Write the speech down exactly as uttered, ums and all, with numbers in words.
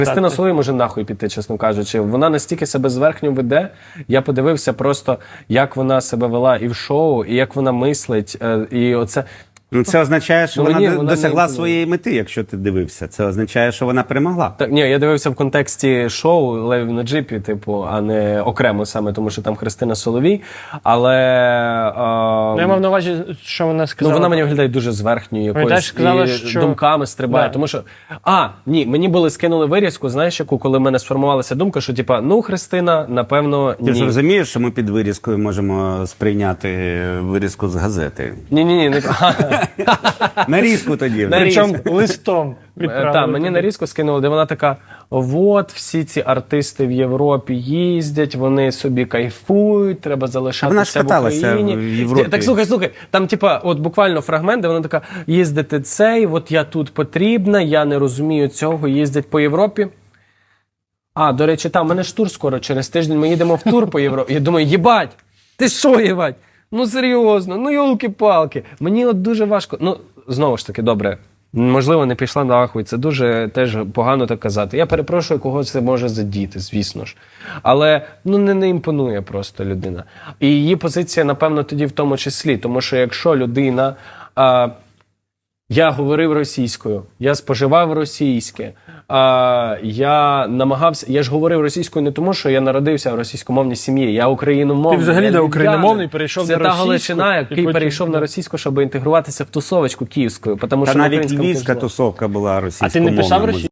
Христина Соловій може нахуй піти, чесно кажучи. Вона настільки себе зверхньо веде. Я подивився просто, як вона себе вела і в шоу, і як вона мислить. І оце... Ну, це означає, що Ну, вона, ні, вона досягла не... своєї мети, якщо ти дивився. Це означає, що вона перемогла. Так, ні, я дивився в контексті шоу «Лев на джипі», типу, а не окремо саме, тому що там Христина Соловій. Але... А... Ну, я мав на увазі, що вона сказала. Ну, вона мені виглядає дуже зверхньою якоюсь, сказала, і що... думками стрибає. Да. Тому що, а, ні, мені були скинули вирізку, знаєш, яку, коли в мене сформувалася думка, що, типа, ну, Христина, напевно, ні. Ти ж розумієш, що ми під вирізкою можемо сприйняти вирізку з газети? Ні-ні-ні, не... Нарізку тоді. Причому листом Так, відправили. мені нарізку скинули, де вона така: от, всі ці артисти в Європі їздять, вони собі кайфують, треба залишатися вона ж в каталася Україні. в Європі. Так, слухай, слухай, там, типа, от буквально фрагмент, де вона така: їздити цей, от я тут потрібна, я не розумію цього, їздять по Європі. А, до речі, там, у мене ж тур скоро, через тиждень ми їдемо в тур по Європі. Я думаю, їбать, ти що, їбать? Ну, серйозно, ну, йолки-палки. Мені от дуже важко, ну, знову ж таки, добре, можливо, не пішла нахуй, це дуже теж погано так казати. Я перепрошую, кого це може задіти, звісно ж. Але, ну, не, не імпонує просто людина. І її позиція, напевно, тоді в тому числі, тому що якщо людина... А, я говорив російською, я споживав російське, а, я намагався, я ж говорив російською не тому, що я народився в російськомовній сім'ї, я україномовний. Ти взагалі я де львів'янин. україномовний, перейшов Це на та російську, Галичина, і який потім- перейшов на російську, щоб інтегруватися в тусовочку київською. Тому Та що на навіть українському львівська теж- тусовка була А ти російськомовна. не писав може. російською?